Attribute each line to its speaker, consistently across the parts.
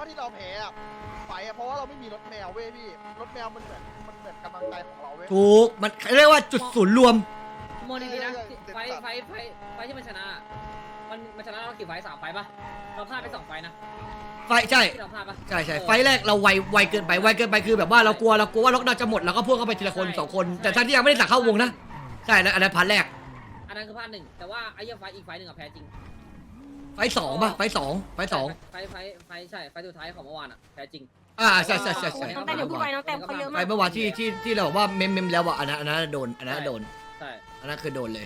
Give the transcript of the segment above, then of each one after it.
Speaker 1: ว่าที่เราแพ้อะไฟอะเพราะว่าเราไม่มีรถแมวเว้ยพี่รถแมวมันเหมือนกำลังใจของเราเว้ย
Speaker 2: ถูกมันเรียกว่าจุดศูนย์รวม
Speaker 3: โมดีๆนะไฟที่มันชนะมันชนะเรากี่ไฟ3 ไฟปะเราพลาดไป2 ไฟนะ
Speaker 2: ไฟใช่
Speaker 3: ที่เราพลาดปะ
Speaker 2: ใช่ไฟแรกเราไวเกินไปคือแบบว่าเรากลัวว่าล็อกดาวน์จะหมดแล้วก็พวกเข้าไปทีละคน2 คนแต่ท่านที่ยังไม่ได้สั่งเข้าวงนะใช่แล้วอันนั้นพาร์ทแรก
Speaker 3: อันนั้นคือพลาด1แต่ว่าไอ้ยังไฟอีกไฟ1อะแพ้จริง
Speaker 2: ไฟสองป่ะไฟสอง
Speaker 3: ไฟใช่ไฟสุดท้ายของเมื่อวานอะแพ้จริง
Speaker 2: ใช่
Speaker 4: น้องแต่เดี๋ยวพูดไปน้องแต่เขาเยอะ
Speaker 2: ไฟ
Speaker 4: มาก
Speaker 2: เมื่อวานที่เราบอกว่าเมมแล้วอ่ะอันนั้นโดนอันนั้นโดน
Speaker 3: ใช่
Speaker 2: อันนั้นคือโดนเลย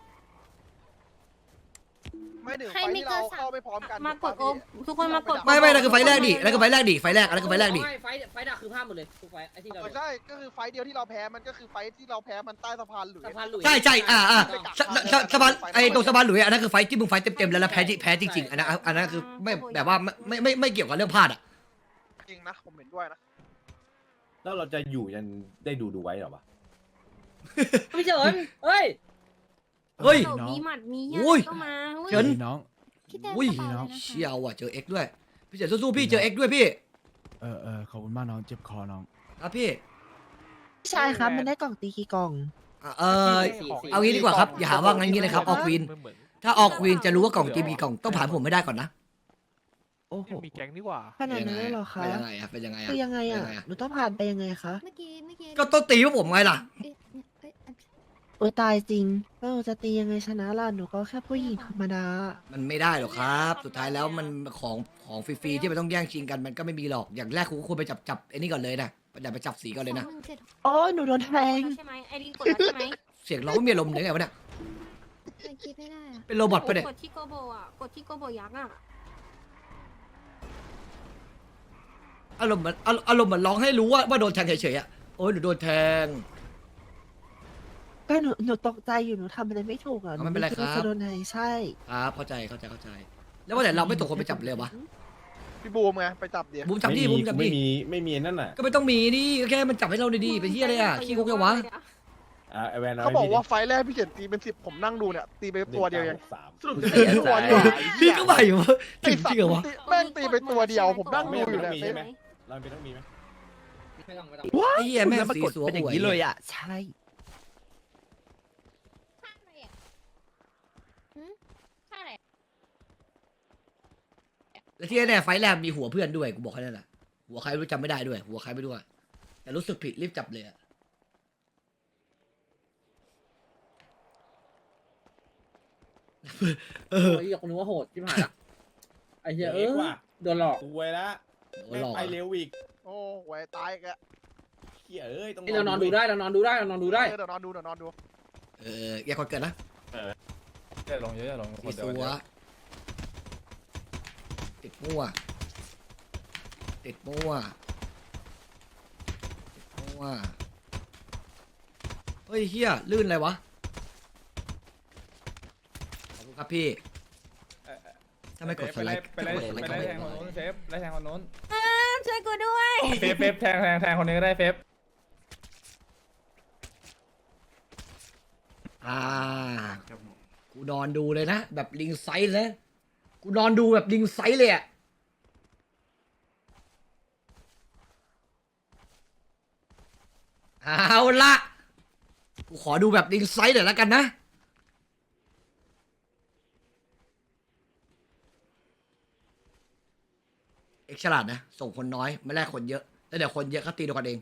Speaker 1: ไม่ถึงไฟที่เราเข้าไม่พร้อมกัน
Speaker 4: มากดโอทุกคนมากด
Speaker 2: ไม่นั่นคือไฟแรกดินั่นคือไฟแรกดิไฟแรกอันนั้นคือไฟแรกดิ
Speaker 3: ไฟดักคือพลาดหมดเลยทุกไฟไอ้ที่เรา
Speaker 1: ใช่ก็คือไฟเดียวที่เราแพ้มันก็คือไฟที่เราแพ้มันใต้สะพานหลุย
Speaker 3: สะพานหลุย
Speaker 2: ใช่สะพานไอ้ตรงสะพานหลุยอันนั้นคือไฟที่มึงไฟเต็มแล้วแพ้จริงๆอันนั้นคือไม่แบบว่าไม่เกี่ยวกับเรื่องพลาดอ่ะ
Speaker 1: จริงนะผมเห็นด้วยนะ
Speaker 5: แล้วเราจะอยู่ยันได้ดูไว้เหรอวะ
Speaker 3: พี่เฉินเฮ้ย
Speaker 2: เฮ้ย
Speaker 4: มีหมัดมี
Speaker 2: อุ้ย
Speaker 4: ก็มา
Speaker 2: เฉิน
Speaker 6: น้อง
Speaker 4: พี่เต้
Speaker 2: อุ้ย
Speaker 4: กระเป๋าเลยนะคะ
Speaker 2: เชี่ยวอ่ะเจอเอ็กด้วยพี่เจ๋สู้ๆพี่เจอเอ็กด้วยพี่
Speaker 6: ขอบคุณมากน้องเจ็บคอน้อง
Speaker 2: ครับพี่
Speaker 7: พี่ชายครับมันได้กล่องตีกี่กล่อง
Speaker 2: เอางี้ดีกว่าครับอย่าหาว่างั้นงี้เลยครับออกควีนถ้าออกควีนจะรู้ว่ากล่องจีบีกล่องต้องผ่านผมไม่ได้ก่อนนะ
Speaker 7: โอ้โห
Speaker 8: มีแก๊งนี่หว่า
Speaker 7: ขนาดนั้นเลยเหรอคะ
Speaker 2: เป็นยังไงอะเป็นยังไงอะ
Speaker 7: คือยังไงอ่ะ หนูต้องผ่านไปยังไงคะ
Speaker 4: เมื่อกี้
Speaker 2: ก็ต้องตีพวกผมไงล่ะ
Speaker 7: โอ้ยตายจริงแล้วหนูจะตียังไงชนะล่ะ หนูก็แค่ผู้หญิงธรรมดา
Speaker 2: มันไม่ได้หรอกครับ สุดท้ายแล้วมันของฟรีๆที่มันต้องแย่งชิงกันมันก็ไม่มีหรอกอย่างแรกคุณก็ควรไปจับไอ้นี่ก่อนเลยนะอย่าไปจับสีก่อนเลยนะ
Speaker 7: โอ้ยหนูโดนแทง
Speaker 4: ใช่ไหมไอดีกดแล้วใช่ไหม
Speaker 2: เสียงร้องไม่มีอารมณ์เลยไงวะเนี่ย
Speaker 4: คิดไม่ได้อะ
Speaker 2: เป็นโรบอทปะเนี่ย
Speaker 4: กดที่โกโบอ่ะกดที่โกโบยักษ์อ่ะ
Speaker 2: อารมณ์เหมือนร้องให้รู้ว่าโดนแทงเฉยๆอะโอ้ยหนูโดนแทง
Speaker 7: ก็หนูตกใจอยู่หนูทำอะไรไม่ถูกอ่ะ
Speaker 2: ไม่เป็นไรครับ
Speaker 7: หจะโดนแทงใช่
Speaker 2: ครับเข้าใจแล้วว่าแต่เราไม่ตกคนไปจับเลยวะ
Speaker 1: พี่บูมไงไปจับเดี๋ยว
Speaker 2: บุ้มจับดิบุ้มจับดิ
Speaker 5: ไม่มีนั่นน่ะ
Speaker 2: ก็ไม่ต้องมีดิก็แค่มันจับให้เราดีๆไปที่อะไรอะขี้คุกยังวะ
Speaker 5: ไอแวน
Speaker 1: เขาบอกว่าไฟแรกพี่เฉินตีเป็น10ผมนั่งดูเนี่ยตีไปตัวเดียวยัง
Speaker 5: 3
Speaker 1: สรุปจะตีตัวเดียว
Speaker 2: พี่ก็ไหววะจ
Speaker 1: ไอ้
Speaker 2: ริง
Speaker 1: สั
Speaker 2: จริงเหรอวะ
Speaker 1: แม่งตีไปตัวเดียวผมนั่งดูอยู่
Speaker 5: ไม่
Speaker 1: เนี่ย
Speaker 5: มีใช่ไหม เราเป็นต้องมีไหม
Speaker 3: ไม่ต้อง
Speaker 2: ไอ้เหี้ยแม่ง
Speaker 7: แล้วป
Speaker 2: สี
Speaker 7: รากฏ
Speaker 2: สัว
Speaker 7: เป็นอย่าง
Speaker 2: หวย
Speaker 7: นี้เลยอ่ะ ใช่
Speaker 2: แล้วที่แน่ๆไฟล์แรกมีหัวเพื่อนด้วยกูบอกแค่นั้นแหละหัวใครไม่รู้จำไม่ได้ด้วย หัวใครไม่รู้อะแต่รู้สึกผิดรีบจับเลยอะเออ
Speaker 3: โอ้ยอยากรู้ว่าโหดที่ผ่านละไอ้เหี้ย
Speaker 5: ว่ะ
Speaker 3: โดนหลอก
Speaker 5: สวยละ
Speaker 2: โอ้ยหลอก
Speaker 5: ไปเร็วอีก
Speaker 1: โอ้หวยตายอีกแล้ว
Speaker 5: เขี้ยเอ้ยต้อง
Speaker 3: เรานอนดูได้เรานอนดูได้
Speaker 1: เดี๋ยวนอนดู
Speaker 2: อย่าก่อนเกิดนะ
Speaker 8: อย่าลงเยอะอย่าลง
Speaker 2: สีสัวติดมั่วติดมั่วเฮ้ยเฮียลื่นอะไรวะขอบคุณครับพี่ถ้าไม่กดสไลด์
Speaker 8: ไปไล่แทงคนนู้นเฟฟไล่แทงคนนู้น
Speaker 4: ช่วยกูด้วย
Speaker 8: เฟฟแทงคนนี้ก็ได้เฟฟ
Speaker 2: กูนอนดูเลยนะแบบลิงไซส์เลยกูนอนดูแบบลิงไซส์เลยอะเอาละกูขอดูแบบลิงไซส์หน่อยแล้วกันนะเอกฉลาดนะส่งคนน้อยไม่แลกคนเยอะแล้วเดี๋ยวคนเยอะเขาตีตัวกันเอง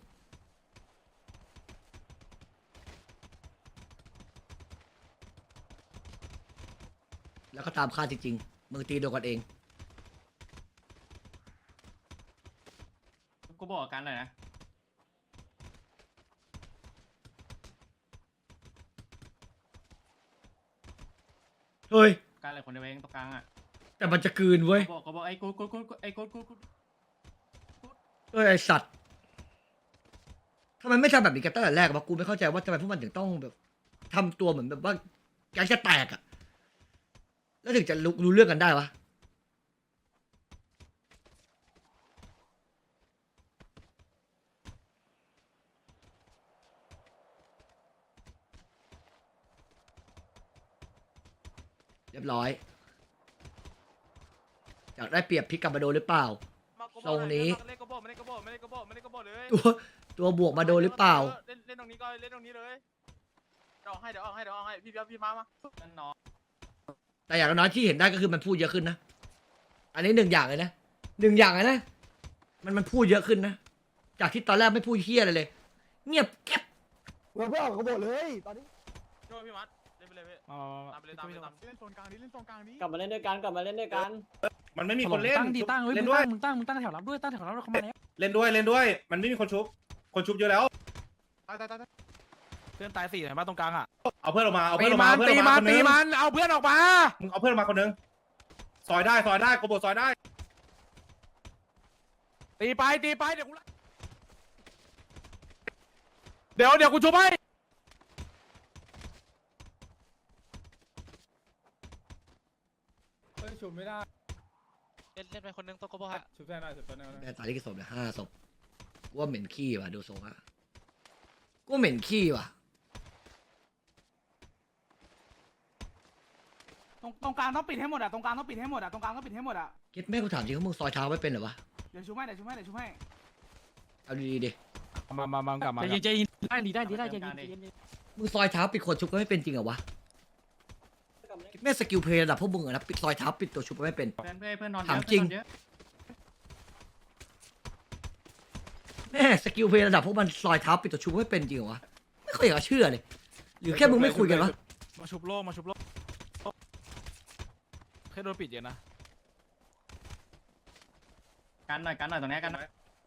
Speaker 2: แล้วก็ตามค่าจริงๆมึงตีโดนกันเอง
Speaker 9: กูบอกกันหน่อยนะ
Speaker 2: เฮ้ย
Speaker 9: การอะไรคนเดียวเองตรงกลางอ่ะ
Speaker 2: แต่มันจะกลืนเว้ย
Speaker 9: ก็บอกไอ้กูไอ้กู
Speaker 2: เอ้ยไอสัตว์ทำไมไม่ทำแบบนี้กันตั้งแต่แรกวะกูไม่เข้าใจว่าทำไมพวกมันถึงต้องแบบทำตัวเหมือนแบบว่าแกงจะแตกอะแล้วถึงจะรู้เรื่องกันได้วะเรียบร้อยอยากได้เปรียบพลิกกลับมาโดนหรือเปล่าทรงนี้
Speaker 8: เล่นกระโบไม่เล่นกระโบไม่เล่นกระโบไม่เล่นกระโบเลย
Speaker 2: ตัวบวกมาโดนหรือเปล่า
Speaker 8: เล่นตรงนี้ก็เล่นตรงนี้เลยเดี๋ยวออกให้พี่มานั่นน้อง
Speaker 2: แต่อย่างน้อยที่เห็นได้ก็คือมันพูดเยอะขึ้นนะ อันนี้หนึ่งอย่างเลยนะหนึ่งอย่างเลยนะ มันพูดเยอะขึ้นนะ จากที่ตอนแรกไม่พูดเฮี้ยอะไรเลย เงียบแก๊บ
Speaker 1: เราไม่ออกกระบอกเลยตอนนี้
Speaker 8: ช่วยพี่มัดเล่นไปเลยพี่
Speaker 6: มา
Speaker 8: ตามไปเลยตามไปเลยตาม
Speaker 6: เล่นโซนกลางนี้เล่นโซนกลางนี้
Speaker 3: กลับมาเล่นด้วยกันกลับมาเล่นด้วยกัน
Speaker 10: มันไม่มีคนเล่น
Speaker 6: ตั้งดีตั้งเฮ้ย
Speaker 10: เล่
Speaker 6: มึ
Speaker 10: น
Speaker 6: ง
Speaker 10: ด้วย
Speaker 6: ตั้งแถวรับด้วยตั้งแถวรับด้วยเขามาแล้ว
Speaker 10: เล่นด้วยมันไม่มีคนชุบเยอะแล้ว
Speaker 6: ตายเพื่อนตาย4ไหนบ้านตรงกลางอ่ะ
Speaker 10: เอาเพื่อนออกมาเอา
Speaker 6: ตี
Speaker 10: เพื่อนออกมา
Speaker 6: มัน
Speaker 10: เอาเพื่อน
Speaker 6: ตี
Speaker 10: ออก
Speaker 6: มั
Speaker 10: มาน คนนึ
Speaker 6: ตี
Speaker 10: ง
Speaker 6: มันเอาเพื่อนออกมา
Speaker 10: มึงเอาเพื่อนออกมาคนนึงซอยได้โกโบซอยได้
Speaker 6: ตีไปเดี๋ยวกูชุบให้
Speaker 8: เฮ้ยฉุบไม่ได้
Speaker 9: เล่นไปคนนึงตัวกบฮะ
Speaker 8: ฉุบได้หน่อยฉุบได้หน่อย
Speaker 2: แม่ตายที่กี่ศพเนี่ย5 ศพกูว่าเหม็นขี้ว่ะดูทรงอะกูว่าเหม็นขี้ว่ะ
Speaker 9: ตรงกลางต้องปิดให้หมดอ่ะตรงกลางต้องปิดให้หมดอ่ะตรงกลางต้องปิดให้หมดอ่ะ
Speaker 2: คิดแม่กูถามจริงว่ามึงซอยเท้าไม่เป็นเหรอวะ
Speaker 9: เดี๋ยวชูให้
Speaker 2: เอาดีๆดิ
Speaker 6: มากลับมา
Speaker 9: ใจเย็นได้ใจเย็น
Speaker 2: มึงซอยเท้าปิดคนชุบก็ไม่เป็นจริงเหรอวะคิดแม่สกิลเพลย์ระดับพวกมึงอะนะปิดซอยเท้าปิดตัวชุบก็ไม่เป็น
Speaker 9: เพื่อนนอน
Speaker 2: ถามจริง แม่สกิลเพลย์ระดับพวกมันซอยเท้าปิดตัวชุบก็ไม่เป็นจริงเหรอวะไม่ค่อยอยากจะเชื่อเลยหรือแค่มึงไม่คุยกันวะ
Speaker 6: มาชุบโลแค่โดนปิดเยอะนะ
Speaker 9: กันหน่อยตรงนี้กันหน่อย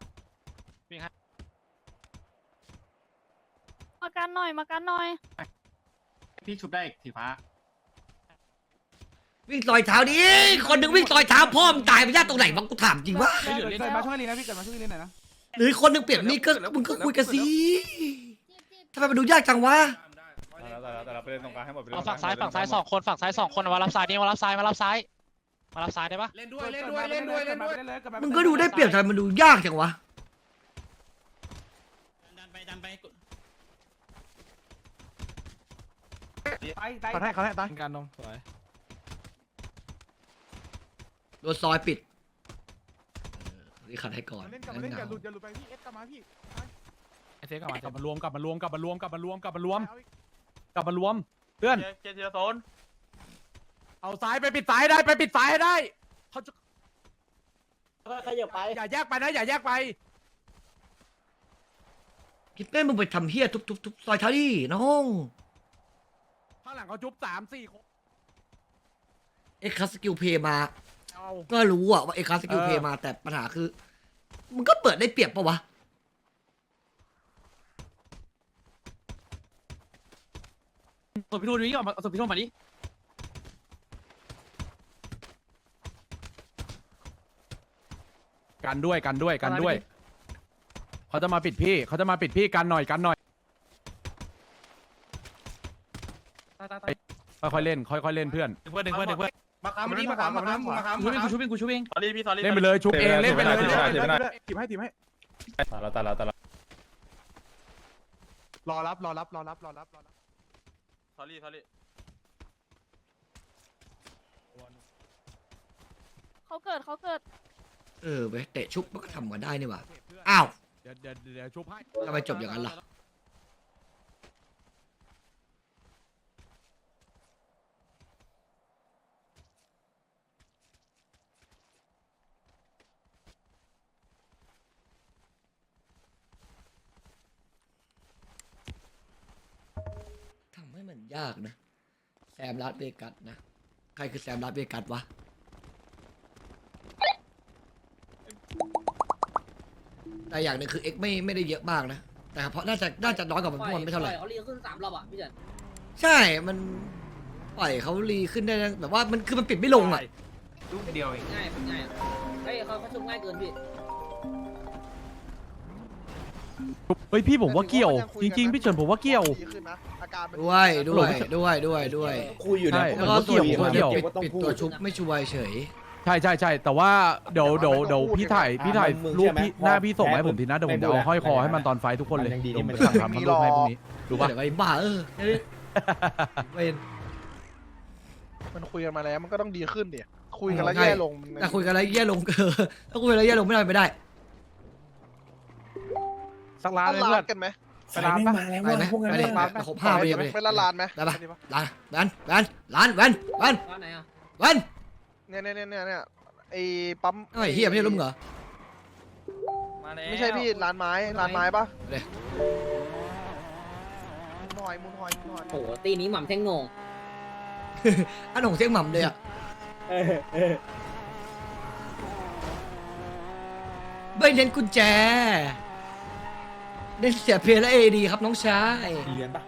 Speaker 4: มากันหน่อย
Speaker 9: พี่ชุบได้สีฟ้า
Speaker 2: วิ่งซอยเท้าดิคนหนึ่งวิ่งซอยเท้าพ่อมึงตายไปยากตรงไหนวะกูถามจริงวะ
Speaker 9: เกิดมาช่วยลีนะพี่เกิดมาช่วยลีหน่อยนะ
Speaker 2: หรือคนหนึ่งเปลี่ยนมีดก็มึงก็คุยกันสิทำไมมันดูยากจังวะ
Speaker 8: แต่เราไปเล่นตรงกลางให้หมดไป
Speaker 9: เอาฝั่งซ้าย2 คนฝั่งซ้าย2 คนมารับซ้ายนี่มารับซ้ายได้ปะ
Speaker 10: เล่นด้วย
Speaker 2: มึงก็ดูได้เปรียบทำไมมันดูยากจังวะ
Speaker 9: ดันไป
Speaker 6: เขาให้ตายการนมสวย
Speaker 2: โดนซอยปิดนี่ขัดให้ก่อน
Speaker 6: เล่นกลับมาเล่นอย่าหลุดไปพี่เอฟกลับมาพี่ไอเซฟกลับมารวมเพื่อน
Speaker 8: เจทีละโซน
Speaker 6: เอาซ้ายไปปิดซ้ายได้ให้ได้เขาจะ
Speaker 3: ขยับไป
Speaker 6: อย่าแยกไป
Speaker 2: คิดแม่มึงไปทำเฮี้ยทุบซอยเท้าดิน้อง
Speaker 6: ข้างหลังเขาจุ๊บ3-4 คน
Speaker 2: เอ็กซ์สกิลเพย์มา
Speaker 6: เอา
Speaker 2: ก็รู้อะว่าเอ็กซ์สกิลเพย์มาแต่ปัญหาคือมึงก็เปิดได้เปรียบปะวะ
Speaker 9: ส่งพี่ทูนนี้ก่อนส่งพี่ทูนมาดิ
Speaker 6: กันด้วยเขาจะมาปิดพี่กันหน่อยค่อยๆเล่นเพื่อน
Speaker 9: เพื่อน
Speaker 10: มาค้ำมาค้ำ
Speaker 9: กูชุบเอง
Speaker 8: สอรี่พี่สอรี่
Speaker 6: เล่นไปเลยชุบเองเล่นไปเลย
Speaker 8: ทีมให้ตายแล้ว
Speaker 6: รอรับ
Speaker 8: สอรี่
Speaker 4: เขาเกิด
Speaker 2: เว้ยเตะชุบมันก็ทำกันได้นี่หว่าอ้าว
Speaker 6: เดี๋ยวชุบให้
Speaker 2: ทำไมจบอย่างนั้นล่ะทำให้มันยากนะแซมลาสเวกัสนะใครคือแซมลาสเวกัสวะแต่อย่างหนึ่งคือเอ็กไม่ได้เยอะมากนะแต่เพราะน่าจะน้อยกว่ามันพวกมันไม่เท่าไหร่
Speaker 3: เขาเรียกขึ้น3 รอบอ่ะพี่เฉิน
Speaker 2: ใช่ มันปล่อยเขารีขึ้นได้นะแบบว่ามันคือมันปิดไม่ลงอ่ะ
Speaker 9: ลูกเดียวเอง
Speaker 3: ง่ายเฮ้ยเขาชุบง่ายเกินพี่
Speaker 6: เฮ้ยพี่ผมว่าเกี่ยวจริงๆพี่เฉินผมว่าเกี่ยว
Speaker 1: ดีขึ้นนะอาการมัน
Speaker 2: ด้วย
Speaker 5: คุยอยู่นะ
Speaker 2: แล้วก็ส่วนคน
Speaker 5: เกี่ยว
Speaker 2: ปิด
Speaker 5: ว่าต้อง
Speaker 2: ปิด
Speaker 5: พู
Speaker 2: ตัว
Speaker 5: ด
Speaker 2: ชุบไม่ช่วยเฉย
Speaker 6: ใช่แต่ว่าเดี๋ยวพี่ถ่ายรูปพี่หน้าพี่ส่งมาให้ผมทีนะเดี๋ยวผมจะเอาห้อยคอให้มันตอนไฟทุกคนเลย
Speaker 5: มันยังดี
Speaker 6: เดี๋ยว
Speaker 5: ที่
Speaker 6: ผม
Speaker 5: มัน
Speaker 6: สั่งทำรูปให้พรุ่งนี้ดูป่ะ
Speaker 2: เดี๋ยวไอ้บ้าเว้น
Speaker 1: มันคุยกันมาแล้วมันก็ต้องดีขึ้นดิคุยกันแล้วแย่ลง
Speaker 2: แต่คุยกันแล้วแย่ลงถ้าคุยกันแล้วแย่ลงไม่ได้ไม่ได้
Speaker 6: สักร้าน
Speaker 1: ร้าน
Speaker 6: เลยเพื่อน
Speaker 1: กันไหม
Speaker 5: สายไม่มาแล้ว
Speaker 2: ไปไหม
Speaker 5: พวกนั้น
Speaker 2: ไป
Speaker 5: เล
Speaker 2: เลย ยครบ5ปีไปเลย
Speaker 1: เป็นร้านไหม
Speaker 2: ได้ปะร้านแวนร้านแวน
Speaker 3: ร้านไหนอ่ะ
Speaker 2: แวน
Speaker 1: เนี่ยไอ้ปั๊ม
Speaker 2: ไอ้เฮียไม่ใช่ลุงเหรอ
Speaker 8: มาแล้ว
Speaker 1: ไม่ใช่พี่ร้านไม้ปะ
Speaker 2: เดี๋ยว
Speaker 1: มุนหอย
Speaker 3: โอ้โหตีนี้หม่ำแท่งโหน่ง
Speaker 2: อันหงเสียงหม่ำเลยอ่ะไม่เน้นกุญแจเน้นเสียเพลและเอดีครับน้องชาย
Speaker 5: มีเรียนปะ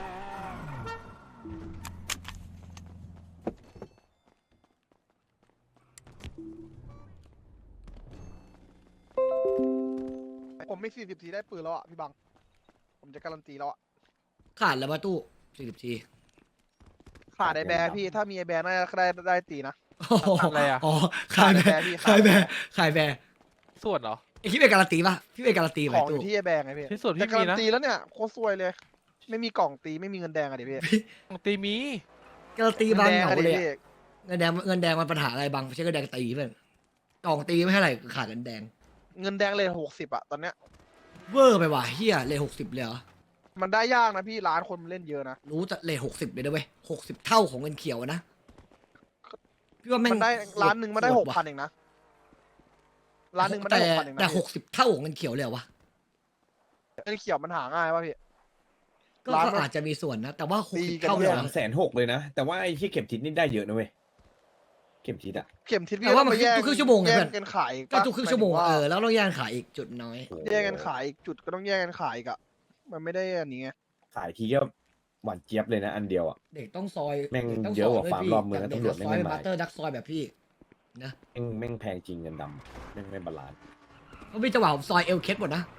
Speaker 1: ผมไม่40 ทีได้ปืนแล้วอ่ะพี่บังผมจะการันตีแล้วอ่ะ
Speaker 2: ขาดแล้วมาตู้40 ที
Speaker 1: ขาดไอแบร์พี่ถ้ามีไอแบร์น่าจะได้ตีนะ
Speaker 6: อะไรอ่ะ
Speaker 2: อ๋อขายแบร์ขายแบร์
Speaker 6: ส่วนเหรอ
Speaker 2: ไอ้พี่เป็นการันตีป่ะพี่เป็นการันตี
Speaker 1: ข
Speaker 2: ไว้
Speaker 1: องอ
Speaker 2: ตู้
Speaker 1: ยู่ที่ไอแบร์ไงพี่
Speaker 6: ที่สุด
Speaker 1: แต่
Speaker 6: พี่
Speaker 1: การั
Speaker 6: มี
Speaker 1: น
Speaker 6: นะ
Speaker 1: ตีแล้วเนี่ยโคตรซวยเลย ไม่มีกล่องตีไม่มีเงินแดงอะดิพี่
Speaker 6: ตีมี
Speaker 2: การันตีบางเหงา
Speaker 1: อะดิ
Speaker 2: เลย
Speaker 1: พี่
Speaker 2: อะเงินแดงมันปัญหาอะไรบางไม่ใช่เงินแดงตีเพื่อนกล่องตีไม่เท่าไหร่ขาดเงินแดง
Speaker 1: เงินแดงเลย60อะตอนเนี้ย
Speaker 2: เวอร์ไปว่ะเฮียเลย60เลยเหรอ
Speaker 1: มันได้ยากนะพี่ร้านคนมันเล่นเยอะนะ
Speaker 2: รู้จะเลย60เลยนะเว้ย60 เท่าของเงินเขียวอะนะพี่ว่าแม่ง
Speaker 1: มันได้ร้านหนึ่งมันได้
Speaker 2: โหดว่ะ
Speaker 1: 6,000เองนะร้านหนึ่งมันได้6,000เองนะ
Speaker 2: แต่
Speaker 1: พี่
Speaker 2: 60 เท่าของเงินเขียวเลยเหรอวะ
Speaker 1: เงินเขียวมันหาง่ายป่ะพี่
Speaker 2: ก็
Speaker 1: ร้านมัน
Speaker 2: อาจจะมีส่วนนะ แต่ว่า
Speaker 1: ตี
Speaker 2: 60
Speaker 1: กัน
Speaker 2: เท่าเลยเหรอ
Speaker 5: 260,000เลยนะ แต่ว่าไอ้ที่เข็มทิศนี่ได้เยอะนะเว้ยเข็มทิศอะ
Speaker 1: เข็มทิศพี่
Speaker 2: แต่ว่ามัน
Speaker 1: ต้องไปแย่
Speaker 2: ทุกครึ่งชั่วโมงไง
Speaker 1: แย่
Speaker 2: เพื่อน
Speaker 1: งกันขายอีก
Speaker 2: ก็
Speaker 1: ปะ
Speaker 2: ทุกครึ่งชั่วโมง
Speaker 1: หายถึ
Speaker 2: แล้วต้องแย่งขายอีกจุดน้อย
Speaker 1: แย่งกันขายอีกจุดก็ต้องแย่งกันขายอีกอะมันไม่ได้อันนี้ไง
Speaker 5: ขายทีก็หวานเจี๊ยบเลยนะอันเดียวอะ
Speaker 2: เด็กต้องซอย
Speaker 5: แม่ง
Speaker 2: ด็ต้อง
Speaker 5: เยอะกว่า
Speaker 2: ซด้
Speaker 5: ฟาร์มรอบเมือง
Speaker 2: พี่
Speaker 5: ตำรวจ
Speaker 2: เด็ก
Speaker 5: ไม่
Speaker 2: ซอย
Speaker 5: มา
Speaker 2: บัตเตอร์ดักซอยแบบพี่นะ
Speaker 5: แม่งแพงจริงเงินดำแม่งไม่บาลานซ์
Speaker 2: เพราะพี่จังหวะผมซอยเอลเคสหมดนะ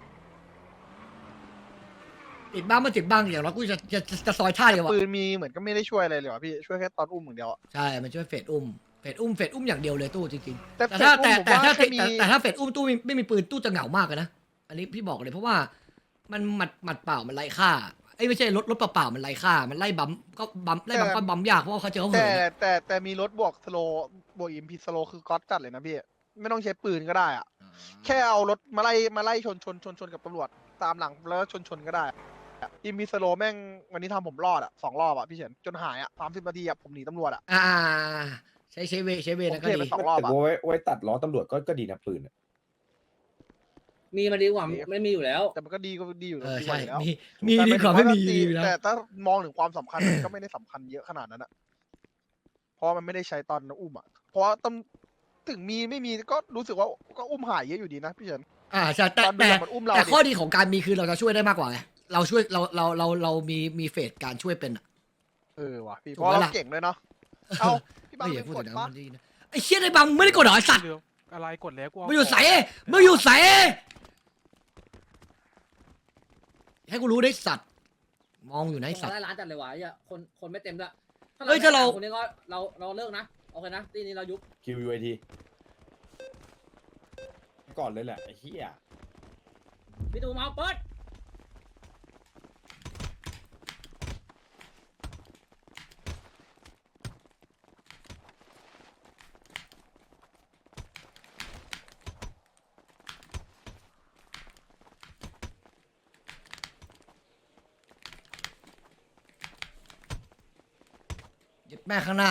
Speaker 2: ติดบ้างไม่ติดบ้างอย่างน้อยกูจะซอยท่าเดียวอะ
Speaker 1: ปืนมีเหมือนก็ไม่ได้ช่วยอะไรเลยวะพี่ช่วยแค่ตอนอุ้มอย่างเดียวอะ
Speaker 2: ใช่มันช่วยเฟดอุ้มอย่างเดียวเลยตู้จริงๆ
Speaker 1: แต่
Speaker 2: แต่ถ้า
Speaker 1: เฟซบุ๊กผมว่าแค่มี
Speaker 2: แต่ถ้าเฟดอุ้มตู้ไม่มีปืนตู้จะเหงามากเลยนะอันนี้พี่บอกเลยเพราะว่ามันหมัดเปล่ามันไร้ค่าไอ้ยไม่ใช่รถเปล่ามันไร้ค่ามันไล่บัมก็บัมยากเพราะว่าเขาเจอเขาเหินอะ
Speaker 1: แต่มีรถบวกสโลบวกอิมพีสโลคือก๊อตจัดเลยนะพี่ไม่ต้องใช้ปืนก็ได้อะแค่เอารถมาไล่ชนกับตำรวจตามหลังแล้วชนก็ได้อิมพีสโลแม่งวันนี้ทำผมรอดอะ2 รอบอะพี่เฉินจนหายอะ30 นาทีอะผมหนีตำรวจอะ
Speaker 2: ใช้เวนะก็
Speaker 1: ผมเท
Speaker 2: ดี
Speaker 1: ไปสองรอบ
Speaker 5: แต่ไว้ตัดล้อตำรวจก็ดีนะปืนอะ
Speaker 3: มีมาดีกว่าไม่มีอยู่แล้ว
Speaker 1: แต่มันก็ดีอยู่
Speaker 2: ใช่
Speaker 1: ดีแล้ว
Speaker 2: มีดีกว่าไม่มีอยู่แล้ว
Speaker 1: แต่ถ้ามองถึงความสำคัญ มันก็ไม่ได้สำคัญเยอะขนาดนั้นอะเพราะมันไม่ได้ใช้ตอนอุ้มอะเพราะว่าถึงมีไม่มีก็รู้สึกว่าก็อุ้มหายเยอะอยู่ดีนะพี่เฉิน
Speaker 2: ใช่แต่
Speaker 1: ตอนดูมันอุ้มเรา
Speaker 2: แต่
Speaker 1: ดิ
Speaker 2: ข้อดีของการมีคือเราจะช่วยได้มากกว่าไงเราช่วยเรามีเฟสการช่วยเป็นอะ
Speaker 1: ว่ะพี่
Speaker 2: ถู
Speaker 1: เพ
Speaker 2: ก
Speaker 1: ราะ
Speaker 2: ไหม
Speaker 1: เรา
Speaker 2: ล่ะ
Speaker 1: เก่งด้วยเนาะเอาพี่บัง
Speaker 2: ไม่อ
Speaker 1: เป็
Speaker 2: ย่าน พูด
Speaker 1: ก
Speaker 2: ถึ
Speaker 1: ด
Speaker 2: งนะ
Speaker 1: ปะ
Speaker 2: มันดีนะไอ้เชี่ยไอ้บังมึงไม่ได้กดเหรอไอ้สัตว์
Speaker 6: อะไรกดแล้วกู
Speaker 2: มึงอยู่ใสมึงอยู่ใสให้กูรู้ได้สัตว์มองอยู่นะไอ้สัตว์
Speaker 3: ได้ร้านจัดเลยวะคนไม่เต็มด้วย
Speaker 2: เฮ้ยถ้าเรา
Speaker 3: คนนี้ก็เราเลิกนะโอเคนะทีนี้เรายุบ
Speaker 5: QUIT ก่อนเลยแหละไอ้เหี้ย
Speaker 3: พี่ตูมาเปิด
Speaker 2: เย็บแม่ข้างหน้า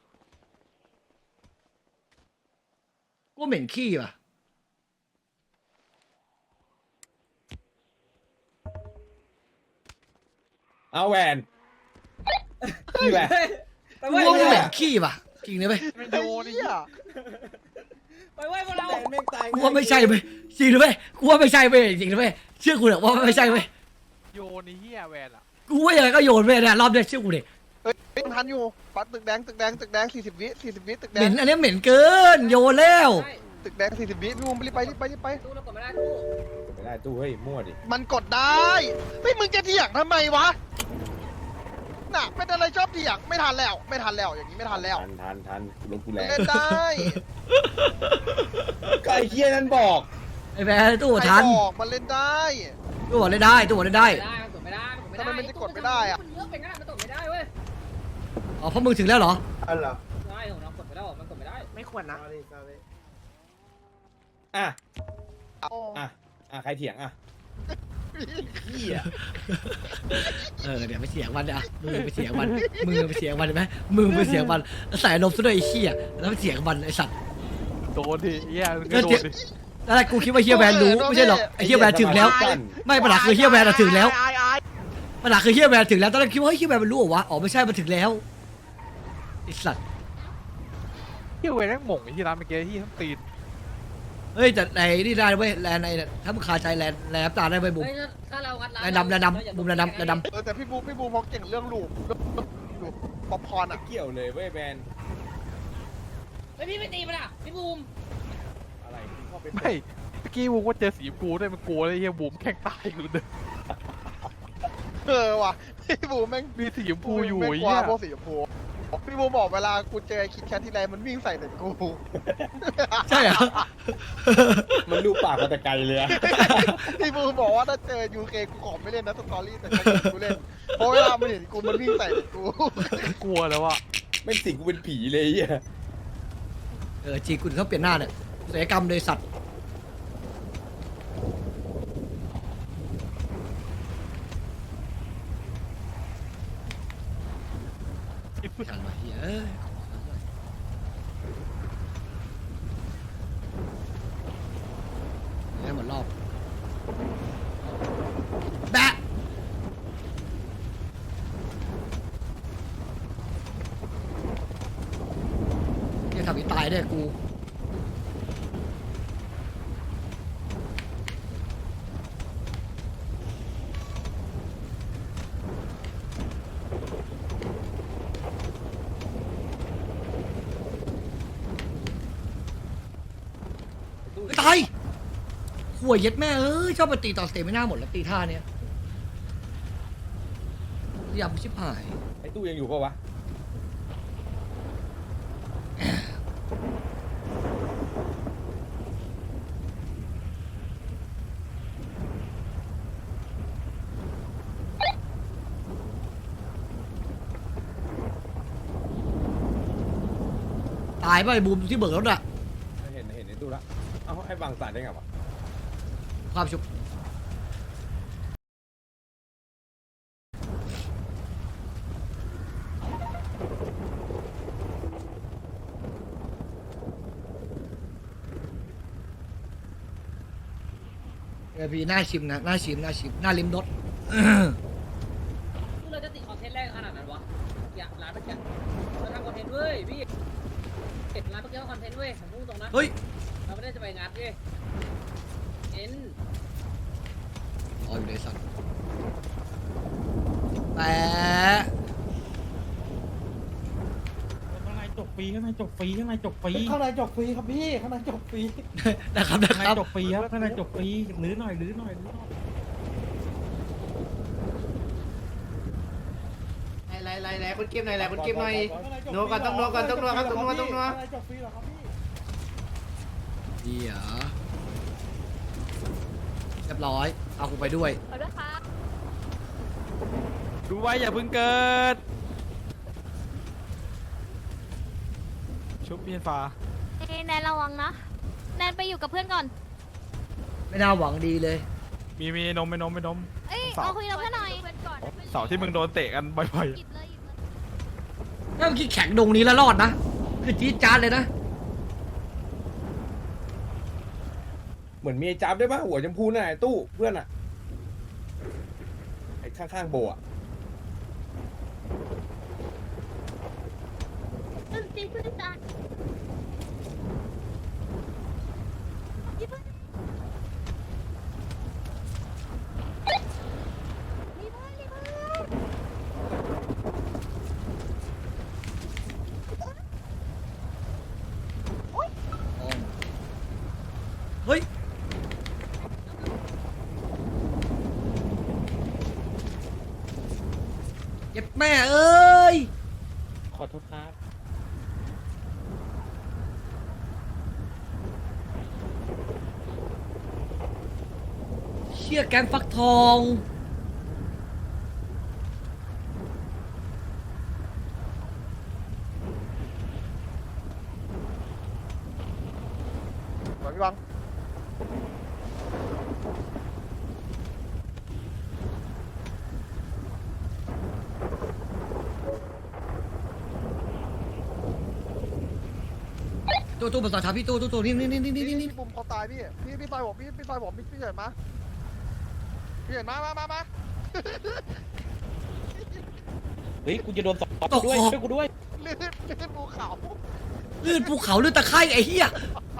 Speaker 2: กูเหม็นขี้ว่ะ
Speaker 5: เอาแวนพี่แวน
Speaker 3: ไป
Speaker 2: กู
Speaker 3: เว้ย
Speaker 2: ว่ากูเหม็นขี้ว่ะจริงเลยเว้ย
Speaker 8: มัน
Speaker 1: ไอ้
Speaker 8: โยน
Speaker 1: เหี้ย
Speaker 3: ไปเว้ยพวกเรา
Speaker 2: กูว่าไม่ใช่เว้ยจริงเลยเว้ยกูว่าไม่ใช่เว้ยจริงเลยเว้ยเชื่อกูเถอะว่าไม่ใช่เว้ย
Speaker 6: โยนไอ้เหี้ยแวนอะ
Speaker 2: กูว่ายังไงก็โยนเว้ยเนี่ยรอบเนี้ยเชื่อกูดิ
Speaker 1: เฮ้ยทันอยู่ปัดตึกแดง40 วิตึกแด
Speaker 2: เหม็
Speaker 1: ง
Speaker 2: นอันนี้เหม็นเกินโยนแล้ว
Speaker 1: ตึกแดง40 วิพี่มุมรีบไป
Speaker 3: ตู้เรากดไม่ได้ตู้
Speaker 5: ไม่ได้ตู้เฮ้ยมั่วดิ
Speaker 1: มันกดได้ไม่มึงจะเถียงทำไมวะน่ะเป็นอะไรชอบเถียงไม่ทันแล้วอย่างนี้ไม่ทันแล้ว
Speaker 5: ทันรถกูแรง
Speaker 1: เล่นได้
Speaker 5: ก็ไอ้เหี้ยนั่นบอก
Speaker 2: ไอ้แพ้ตู้
Speaker 1: ใคร
Speaker 2: ทัน
Speaker 1: บอกมันเล่นได้
Speaker 2: ตู้บอกเล่นได้ตู้บอกเล่นได้
Speaker 3: มันกดไม่ได้
Speaker 1: ทำไมมันจะกดไม่ได้อะ
Speaker 3: มันเยอะไปงั้นมันกดไม่ได้เว้ย
Speaker 2: อ๋อเพราะมึงถึงแล้วเหรอ
Speaker 1: อะไร
Speaker 3: ใช่ผมลองกดไปแล้วมันกดไม่ได้
Speaker 7: ไม่ควรนะ
Speaker 5: อ่ะ
Speaker 1: โอ้
Speaker 5: ใครเถียงอ่ะเหี้ย
Speaker 2: เดี๋ยวไปเสียงมันอ่ะมือไปเสียงมันมือไปเสียงมันเห็นไหมมือไปเสียงมันใส่ลมซะด้วยไอ้เหี้ยแล้วไปเสียงมันไอ้สัตว์
Speaker 6: โดนดิเหี้ยมึงก็โดนดิ
Speaker 2: แล้วกูคิดว่าเฮียแวนรู้ไม่ใช่หรอกไอ้เฮียแวนถึงแล้ว ไม่ปัญหาคือเฮียแวนถึงแล้วปัญหาคือเฮียแวนถึงแล้วตอนแรกคิดว่าเฮ้ยเฮียแวนมันรู้เหรอวะอ๋อไม่ใช่มันถึงแล้วไอ้สัตว์
Speaker 6: เหี้ยเว้ยแม่งหม่งไอ้ที่ร้านเมื่อกี้ที่ทั้งตีน
Speaker 2: เฮ้ยแต่ในนี่ได้เว้ยแลนในถ้ามึงคาใจแลนน้ำตาได้เว้ยบุ๋ม
Speaker 3: เฮ้ยถ้าเรางัดร้าน
Speaker 2: แลนดำแลนดำบุ๋มแลนดำแลนดำ
Speaker 1: แต่พี่บูเขาเก่งเรื่องลูปป๊อปคอร์น
Speaker 5: ไม่
Speaker 1: อ่ะ
Speaker 5: เกี่ยวเลยเว้ยแบน
Speaker 3: เฮ้ยพี่ไม่ตีมันอ่ะพี่บูม
Speaker 5: อะไรที่เข้าไป
Speaker 6: ไม่เมื่อกี้บูมว่าเจอสีชมพูด้วยมันกลัวเลยเฮียบูมแข่งตายกูเดิน
Speaker 1: ว่ะพี่บูแม่ง
Speaker 6: มีสีชมพูอยู่
Speaker 1: แม่ง
Speaker 6: ไอ้
Speaker 1: กว่า
Speaker 6: เหี้ย
Speaker 1: พวกสีชมพูพี่บูบอกเวลากูเจอคิดแคททีไรมันวิ่งใส่แต่กู
Speaker 2: ใช่เหรอ
Speaker 5: มันดูปากมาแต่ไกลเลยอะ
Speaker 1: พี่บูบอกว่าถ้าเจอยูเคกูขอไม่เล่นนะสตอรี่แต่กูเล่นเพราะเวลามันเห็นกูมันวิ่งใส่แต่กู
Speaker 6: กลัวแล้วอ่ะ
Speaker 5: ไม่สิงกูเป็นผีเลยไอ้เหี้ย
Speaker 2: จริงคุณเขาเปลี่ยนหน้าเนี่ยศัลยกรรมเลยสัตว์กันวะเฮ้ยให้หมดรอบแบะจะทำให้ตายได้กูตายหัวเย็ดแม่เอ้ยชอบมาตีตอนสเตมิน่าหมดแล้วตีท่าเนี้ยยำชิบหาย
Speaker 5: ไอ้ตู้ยังอยู่ปะวะ
Speaker 2: ตายไปะไอ้บูมที่เบิกรถอะ
Speaker 5: เห็นไอ้ตู้ละเอ้าให้บางสารได้ไงวะ
Speaker 2: ความชุบพี่น่าชิมนะน่าชิมน่าชิมน่าลิ้มรส
Speaker 3: เราจะติดคอนเทนต์แรกขนาดนั้นวะอยากร้านเมื่อกี้เราทำคอนเทนต์เว้ยพี่เก็บร้านเมื่อกี้คอนเทนต์เว้ยผมพูดตรงนะ
Speaker 2: เฮ้ย
Speaker 3: เราไม่ได้จะไปงัดเว้ยเอ็น
Speaker 2: อ๋ออยู่ในสัตว์แต่
Speaker 10: ข้างในจบฟรีข้างในจบฟรีข้างในจบฟรี
Speaker 5: ข้างในจบฟรีครับพี่ข้างในจบฟรี
Speaker 2: นะครับนะ
Speaker 10: ข้าง
Speaker 2: ค
Speaker 10: ใน
Speaker 2: รับ
Speaker 10: จบฟรีครับข้างในจบฟรีลื้อหน่อยลื้อหน่อยลื้อหน่อย
Speaker 7: ไหนคุณกิฟหน่อยคุณกิฟหน่อยนัวก่อนต้องนัวก่อนต้องนัวครับต้องนัวต้องนัว
Speaker 5: ข้างในจบฟรีเหรอครับพี่
Speaker 2: เดี๋ยวเรียบร้อยเอากูไปด้วย
Speaker 4: ขอด้วยค่ะ
Speaker 6: ดูไว้อย่าเพิ่งเกิดชุบเมียนฟ้า
Speaker 4: แนนระวังนะ แนนไปอยู่กับเพื่อนก่อน
Speaker 2: ไม่น่าหวังดีเลย
Speaker 6: มีนมไม่นม
Speaker 4: เอ้ย
Speaker 6: เสา
Speaker 4: เอาคุยกับเพื่อนหน่อย
Speaker 6: เสาที่มึงโดนเตะกันบ่อย
Speaker 4: หยิบเลยหยิบเลย
Speaker 2: ถ้าเมื่อกี้แข็งดงนี้แล้วรอดนะ คือจี๊ดจ๊าดเลยนะ
Speaker 5: เหมือนมีไอ้จับด้วยป่ะหัวชมพูน่ะไอ้ตู้เพื่อนอ่ะไอ้ข้างๆโบอ่ะ
Speaker 4: เพื่อนตีเพื่อนตาย
Speaker 2: เฮ้ย เจ็บแม่เอ้ย
Speaker 10: ขอโทษครับ
Speaker 2: เชี่ยแกงฟักทองตู้มาต่อท้าพี่ตู้นี่
Speaker 1: พี่ปุ่มเขาตายพี่ซอยผมพี่ซอยผมพี่เห็นมาพี่เห็นมา
Speaker 5: เฮ้ยกูจะโดนตกด้วยช่วยกูด้วย
Speaker 1: ลื่นภูเขา
Speaker 2: ลื่นภูเขาลื่นตะไคร่ไอ้เหี้ย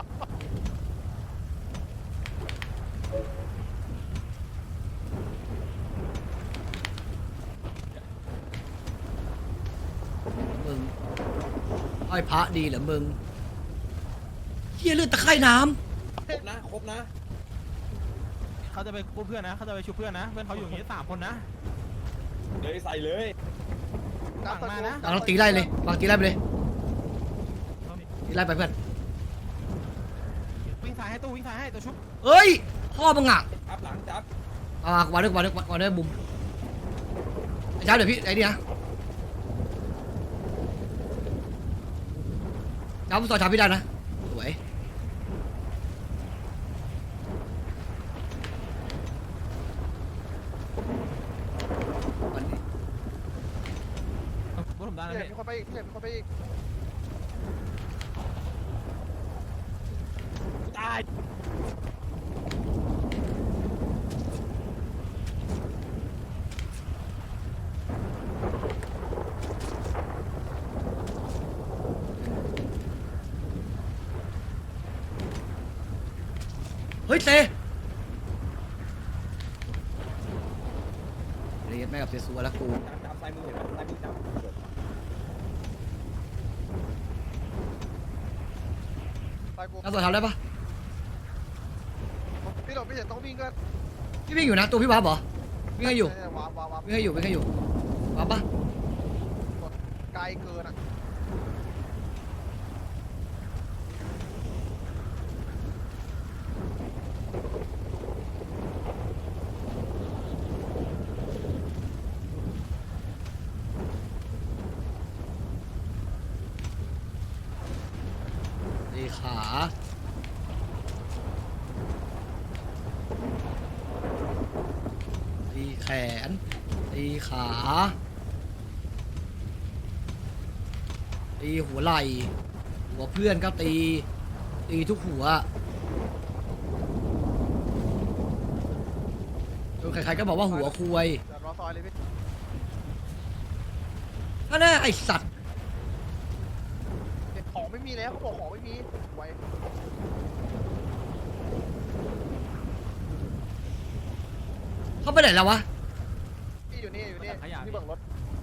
Speaker 2: มึงห้อยพระดีเหรอมึงเหี้ยลื่นตะไคร่น้
Speaker 5: ครบนะ
Speaker 8: เขาจะไปกู้เพื่อนนะเขาจะไปชุบเพื่อนนะเพื่อนเขาอยู่อย่างนี้3 คนนะ
Speaker 5: เลยใส่เลย
Speaker 8: ฝั่งมานะ
Speaker 2: ำเราตีไล่เลยฟังตีไล่ไปเลยตีไล่ไปเพื่อน
Speaker 8: วิ่งซ้ายให้ตู้วิ่งซ้ายให้ตัวชุบ
Speaker 2: เฮ้ยพ่อมึงอ่ะ
Speaker 5: จับหลังจับ
Speaker 2: มาวางด้วยบุมไอ้ช้าเดี๋ยวพี่ไอ้นี่นะช้าผมต่อช้าพี่ได้นะสวยวันนี้
Speaker 8: บุผมได้นะ
Speaker 1: เห็น
Speaker 8: พี่
Speaker 1: มีคนไปอีก
Speaker 5: ตาย
Speaker 2: เฮ้ยเตะเรียกแม่กับเสียสัวแล้วกู
Speaker 5: จับซ้ายมือเห็นไหมซ้ายมือจับ
Speaker 1: ตายกู
Speaker 2: แล้วตัวทำได้ปะ
Speaker 1: พี่หลบพี่เห็นต้องวิ่งก็
Speaker 2: พี่วิ่งอยู่นะตัวพี่วาบเหรอวิ่งให้อยู่
Speaker 1: วา
Speaker 2: วิ่งให้อยู่วาบปะ
Speaker 1: ไกลเกินอ่ะ
Speaker 2: ตีขาตีแขนตีขาตีหัวไหล่หัวเพื่อนก็ตีทุกหัวจนใครๆก็บอกว่าหัวคุย
Speaker 1: เดี๋ยวรอซอยเลยพี่
Speaker 2: นั่นแน่ไอสัตว์
Speaker 1: ของไม่มีแล้วเขาบอกของไม่มีไว้
Speaker 2: เขาไปไหนแล้ววะ
Speaker 1: พี่อยู่นี่พี่เบิ่งรถ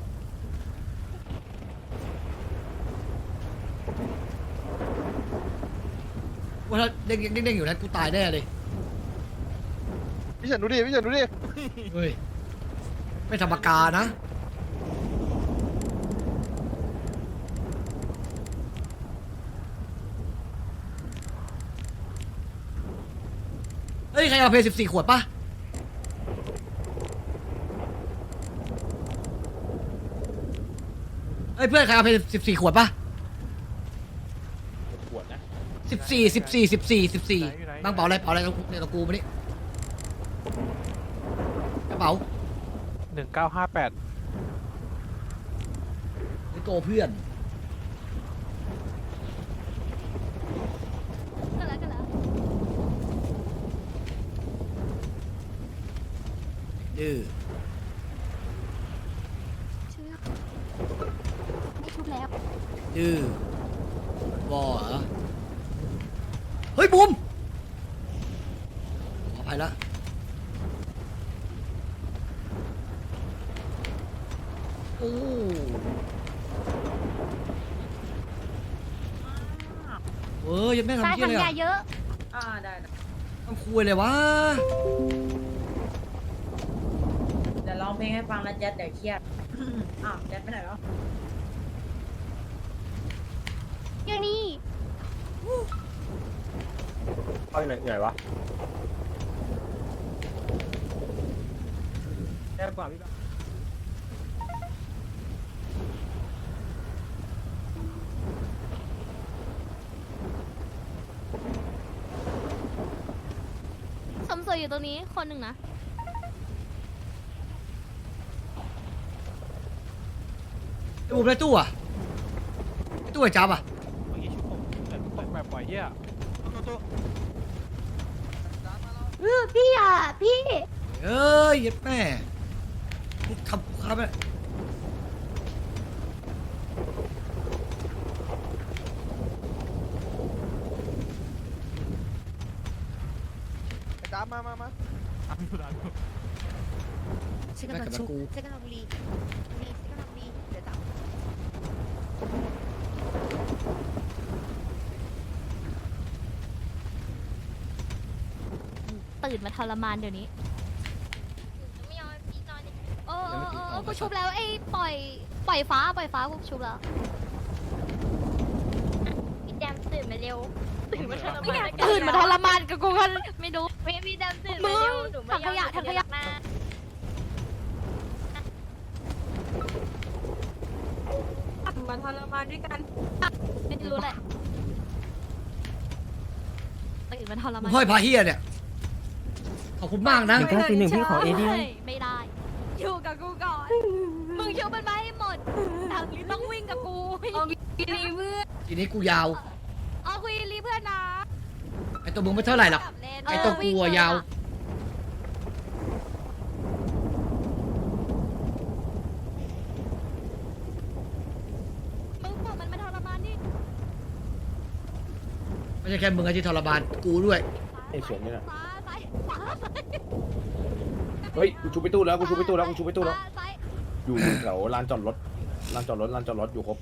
Speaker 2: ว่าถ้าเด้งอยู่นะกูตายแน่เลย
Speaker 1: พี่เฉินดูดิ
Speaker 2: เฮ้ยไม่ธรรมกานะเฮ้ยใครเอาเพย์14 ขวดปะเฮ้ยเพื่อนใครเอาเพย์14 ขวดปะ
Speaker 5: ขวดนะ
Speaker 2: 14บ้างเป๋าอะไรเนี่ยตะกูมานี่กระเป๋า
Speaker 6: 1958
Speaker 2: ไอ้โกเพื่อน
Speaker 4: ก็แล้ว
Speaker 2: ดื้อ
Speaker 4: ชื่อไม่ชุบแล้ว
Speaker 2: ดื้อวอเหรอเฮ้ยบูมขออภัยละโอ้ยังแม่
Speaker 4: ตาย
Speaker 2: ทำเที่ย
Speaker 4: ทำ
Speaker 2: เลย
Speaker 4: ยา
Speaker 2: อ่ะ
Speaker 4: เยอะ
Speaker 3: ได้
Speaker 2: ทำคุยเลยวะ
Speaker 3: เดี๋ยวร้องเพลงให้ฟังนะแจ๊ดเดี๋ยวเครียดอ้าวแจ๊ดไปไหนแล้ว
Speaker 4: อยู่นี่
Speaker 5: เอาไหนวะ
Speaker 8: แย่กว่าพี่
Speaker 4: สมสวยอยู่ตรงนี้คนหนึ่งนะ
Speaker 2: ไอ้บูมได้ตู้อ่ะไอ้ตู้ไอ้จับอ่ะ
Speaker 8: เมื่อกี้ชุบผมแต่ปล่อย
Speaker 6: เหี้ย
Speaker 4: พี่อ่ะพี่
Speaker 2: เอ้ยยัดแม่นี่ขับขับไป
Speaker 1: ไอ้จ้ามา
Speaker 7: ฉันกำลังชุบฉันกำลังรีฉันกำลังรีเดี๋ยวจับ
Speaker 4: ตื่นมาทรมานเดี๋ยวนี้เออกูชุบแล้วไอ้ปล่อยฟ้ากูชุบแล้วพี่แดมตื่นมาเร็วตื่นมาทรมานกับกูกันไม่รู้พี่แดมตื่นมาเร็วถังขยะมาทรมานด้วยกันไม่รู้แหละตื่นมาทรมาน
Speaker 2: พ่อยพาเฮียเนี่ยขอบคุณมากนะ
Speaker 7: 191พี่ขอ AD
Speaker 4: ไม่ได้ อยู่กับกูก่อน มึงเชื่อมันมาให้หมดทางนี้ต้องวิ่งกับกูเอาคุยรีเพื่อน
Speaker 2: ทีนี้กูยาว
Speaker 4: เอาคุยรีเพื่อนนะ
Speaker 2: ไอตัวมึงไม่เท่าไหร่หรอกไอตัวกูอะยาว
Speaker 4: มึงบอกมันมาทรมานดิ
Speaker 2: ไม่ใช่แค่มึงอะที่ทรมานกูด้วย
Speaker 5: ไอ้เฉียนนี่น่ะ
Speaker 4: ซ้าย
Speaker 5: เฮ้ยกูชูไปตู้แล้ว
Speaker 4: ซ้าย
Speaker 5: อยู่แถวลานจอดรถอยู่ครบ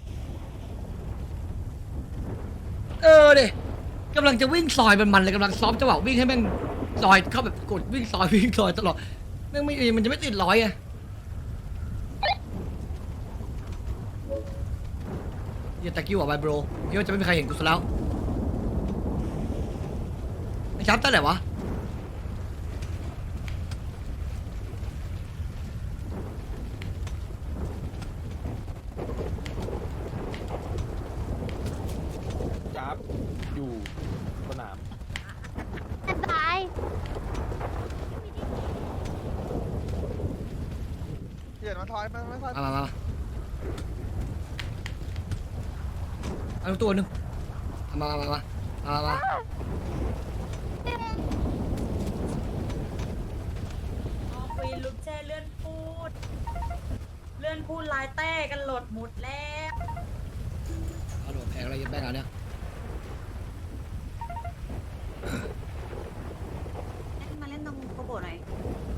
Speaker 2: เออเดกำลังจะวิ่งซอยมันเลยกำลังซ้อมจังหวะวิ่งให้แม่งซอยเข้าแบบกดวิ่งซอยตลอดแม่งไม่มันจะไม่ติดร้อยไงอย่าตะกิ้วอ่ะไบโบรคิดว่าจะไม่มีใครเห็นกูซะแล้วไอ้ชับตั้งไหนวะ
Speaker 5: จับอยู่สนาม
Speaker 4: ตาย
Speaker 1: เดี๋ยวมาทอยมา
Speaker 2: มาเอาตัวหนึ่งมา
Speaker 7: คุยลุกแช่เลื่อนพูดลายแต้กันหลดหมดแล้ว
Speaker 2: เอาหลบแพงอะไรยังแบงเอาเนี่ย
Speaker 7: มาเล่นตรงโกโบหน่อย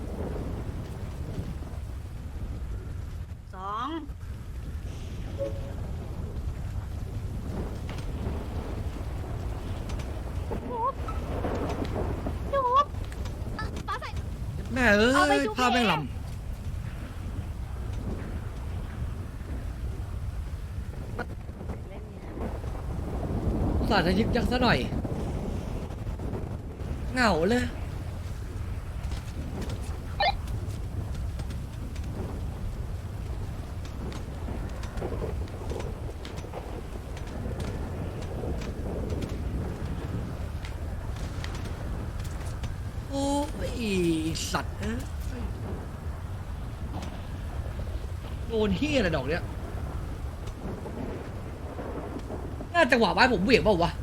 Speaker 4: ฟ้าใส่
Speaker 2: แม่เอ้
Speaker 4: เอาไป
Speaker 2: ย
Speaker 4: ชุบ
Speaker 2: ภาพแม่ง
Speaker 4: เอง
Speaker 2: ลำสาดจะยึกยักซะหน่อยเหงาเลยโอ้ยสัตว์เอ้ยโดนเฮียอะไรดอกเนี้ยน่าจังหวะไว้ผมเหวี่ยงเปล่าวะ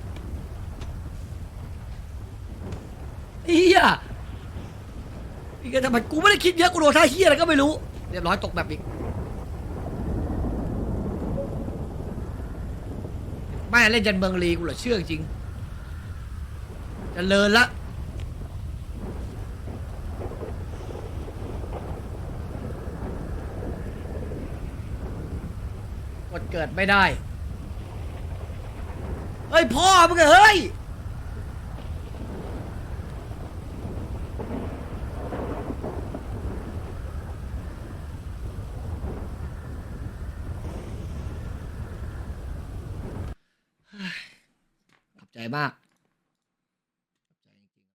Speaker 2: เฮียอีกทำไมกูไม่ได้คิดเยอะกูโดนท่าเฮียอะไรก็ไม่รู้เรียบร้อยตกแบบอีกแม่เล่นยันเมืองลีกูเหรอเชื่อจริงจะเลินละกดเกิดไม่ได้เฮ้ยพ่อมึงอะเฮ้ยขอบใจมาก